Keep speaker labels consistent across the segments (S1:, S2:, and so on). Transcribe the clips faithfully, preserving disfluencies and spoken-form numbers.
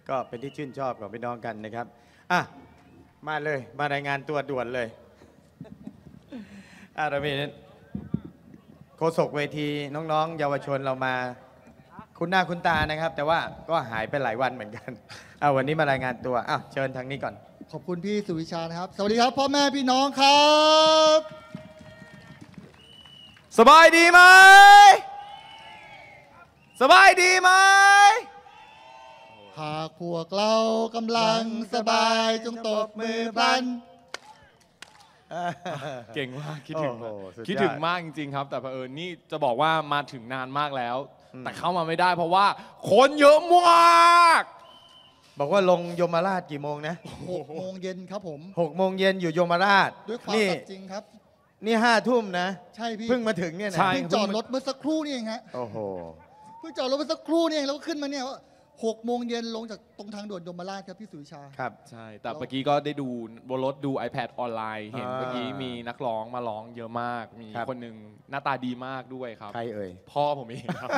S1: ก็เป็นที่ชื่นชอบของพี่น้องกันนะครับอ่ะมาเลยมารายงานตัวด่วนเลยอ่ะเรามีโฆษกเวทีน้องๆเยาวชนเรามาคุณหน้าคุณตานะครับ แต่ว่าก็หายไปหลายวันเหมือนกันอ่ะวันนี้มารายงานตัวอ่ะเชิญทางนี้ก่อน
S2: ขอบคุณพี่สุวิชานะครับสวัสดีครับพ่อแม่พี่น้องครับ
S1: สบายดีไหมสบายดีไหม
S2: หากพวกเรากำลังสบายจงตบมือพลัน
S3: เก่งมากคิดถึงคิดถึงมากจริงๆครับแต่เผอิญนี่จะบอกว่ามาถึงนานมากแล้วแต่เข้ามาไม่ได้เพราะว่าคนเยอะมาก
S1: บอกว่าลงยมราชกี่โมงนะ
S2: หกโมงเย็นครับผม
S1: หกโมงเย็นอยู่ยมราช
S2: ด้วยความสัตย์จริงครับ
S1: นี่ห้าทุ่มนะ
S2: ใช่พี่
S1: เพิ่งมาถึงเนี่ยนะ
S2: เพิ่งจอดรถเมื่อสักครู่นี่เองฮะ
S1: โอ้โห
S2: เพิ่งจอดรถเมื่อสักครู่นี่เองแล้วก็ขึ้นมาเนี่ยหกโมงเย็นลงจากตรงทางด่วนยมราชครับพี่สุวิชา
S1: ครับ
S3: ใช่แต่เมื่อกี้ก็ได้ดูบนรถดู iPad ออนไลน์เห็นเมื่อกี้มีนักร้องมาร้องเยอะมากมีคนหนึ่งหน้าตาดีมากด้วยครับ
S1: ใครเอ่ย
S3: พ่อผมเองครับ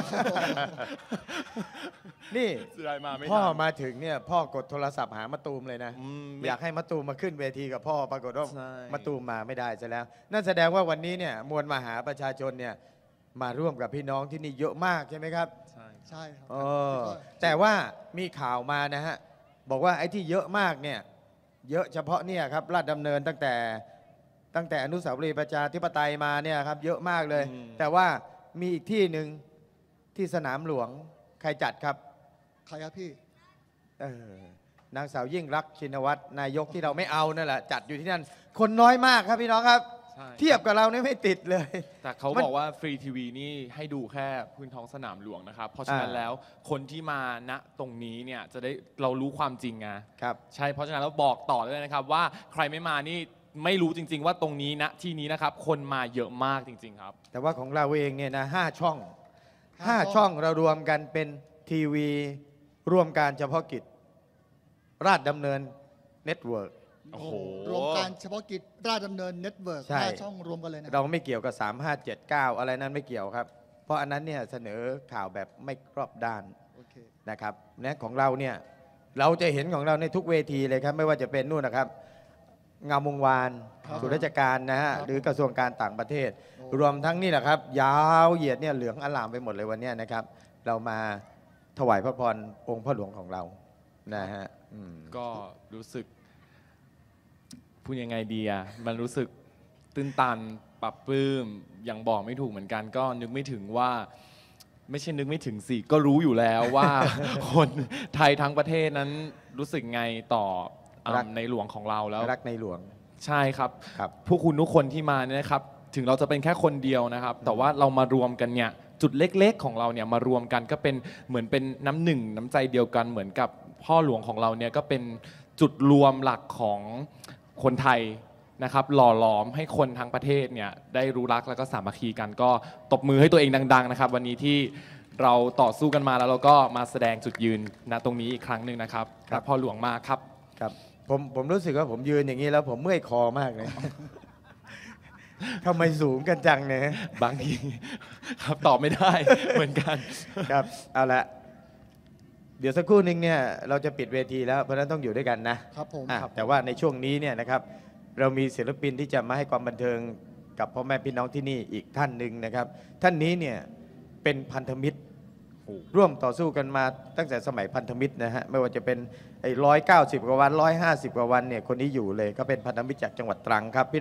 S1: นี่พ่อมาถึงเนี่ยพ่อกดโทรศัพท์หามะตูมเลยนะอยากให้มะตูมมาขึ้นเวทีกับพ่อปรากฏว่ามะตูมมาไม่ได้ซะแล้วนั่นแสดงว่าวันนี้เนี่ยมวลมหาประชาชนเนี่ยมาร่วมกับพี่น้องที่นี่เยอะมากใช่ไหมครับ
S2: ใช่ใช่ครับ
S1: แต่ว่ามีข่าวมานะฮะบอกว่าไอ้ที่เยอะมากเนี่ยเยอะเฉพาะเนี่ยครับลาดดำเนินตั้งแต่ตั้งแต่อนุสาวรีย์ประชาธิปไตยมาเนี่ยครับเยอะมากเลยแต่ว่ามีอีกที่หนึ่งที่สนามหลวงใครจัดครับ
S2: ใครครับพี่
S1: เออนางสาวยิ่งรักษณ์ชินวัตรนายกที่เราไม่เอานั่นแหละจัดอยู่ที่นั่นคนน้อยมากครับพี่น้องครับเทียบกับเราเนี่ยไม่ติดเลย
S3: แต่เขาบอกว่าฟรีทีวีนี่ให้ดูแค่พื้นท้องสนามหลวงนะครับเพราะฉะนั้นแล้วคนที่มาณตรงนี้เนี่ยจะได้เรารู้ความจริงไง
S1: ครับ
S3: ใช่เพราะฉะนั้นเราบอกต่อเลยนะครับว่าใครไม่มานี่ไม่รู้จริงๆว่าตรงนี้ณที่นี้นะครับคนมาเยอะมากจริงๆครับ
S1: แต่ว่าของเราเองเนี่ยนะห้าช่องห้าช่องเรารวมกันเป็นทีวีร่วมการเฉพาะกิจราชดำเนินเน็ตเวิร์ก
S2: โอ้โหรวมการเฉพาะกิจราชดำเนินเน็ตเวิร์กห้าช่องรวมกันเลยนะ
S1: เราไม่เกี่ยวกับสาม ห้า เจ็ด เก้าอะไรนั้นไม่เกี่ยวครับเพราะอันนั้นเนี่ยเสนอข่าวแบบไม่รอบด้านนะครับเนี่ยของเราเนี่ยเราจะเห็นของเราในทุกเวทีเลยครับไม่ว่าจะเป็นนู่นนะครับงามวงวานส่วนราชการนะฮะหรือกระทรวงการต่างประเทศรวมทั้งนี่แหละครับยาวเหยียดเนี่ยเหลืองอลามไปหมดเลยวันนี้นะครับเรามาถวายพระพรองค์พระหลวงของเรานะฮะ
S3: ก็รู้สึกพูดยังไงดีอ่ะมันรู้สึกตื้นตันปรับปลื้มยังบอกไม่ถูกเหมือนกันก็นึกไม่ถึงว่าไม่ใช่นึกไม่ถึงสิก็รู้อยู่แล้วว่าคนไทยทั้งประเทศนั้นรู้สึกไงต่อในหลวงของเราแล้ว
S1: รักในหลวง
S3: ใช่ครับพวกคุณทุกคนที่มาเนี่ยนะครับถึงเราจะเป็นแค่คนเดียวนะครับแต่ว่าเรามารวมกันเนี่ยจุดเล็กๆของเราเนี่ยมารวมกันก็เป็นเหมือนเป็นน้ำหนึ่งน้ำใจเดียวกันเหมือนกับพ่อหลวงของเราเนี่ยก็เป็นจุดรวมหลักของคนไทยนะครับหล่อหลอมให้คนทั้งประเทศเนี่ยได้รู้รักแล้วก็สามัคคีกันก็ตบมือให้ตัวเองดังๆนะครับวันนี้ที่เราต่อสู้กันมาแล้วเราก็มาแสดงจุดยืนณตรงนี้อีกครั้งหนึ่งนะครับรักพ่อหลวงมากครับ
S1: ครับผมผมรู้สึกว่าผมยืนอย่างนี้แล้วผมเมื่อยคอมากเลยทำไมสูงกันจังเนี่ย
S3: บางทีครับตอบไม่ได้เหมือนกัน
S1: ครับเอาละเดี๋ยวสักครู่นึงเนี่ยเราจะปิดเวทีแล้วเพราะฉะนั้นต้องอยู่ด้วยกันนะครับ
S2: ผม
S1: แต่ว่าในช่วงนี้เนี่ยนะครับเรามีศิลปินที่จะมาให้ความบันเทิงกับพ่อแม่พี่น้องที่นี่อีกท่านหนึ่งนะครับท่านนี้เนี่ยเป็นพันธมิตรร่วมต่อสู้กันมาตั้งแต่สมัยพันธมิตรนะฮะไม่ว่าจะเป็นไอ้ร้อยเก้าสิบกว่าวันร้อยห้าสิบกว่าวันเนี่ยคนนี้อยู่เลยก็เป็นพันธมิตรจากจังหวัดตรังครับ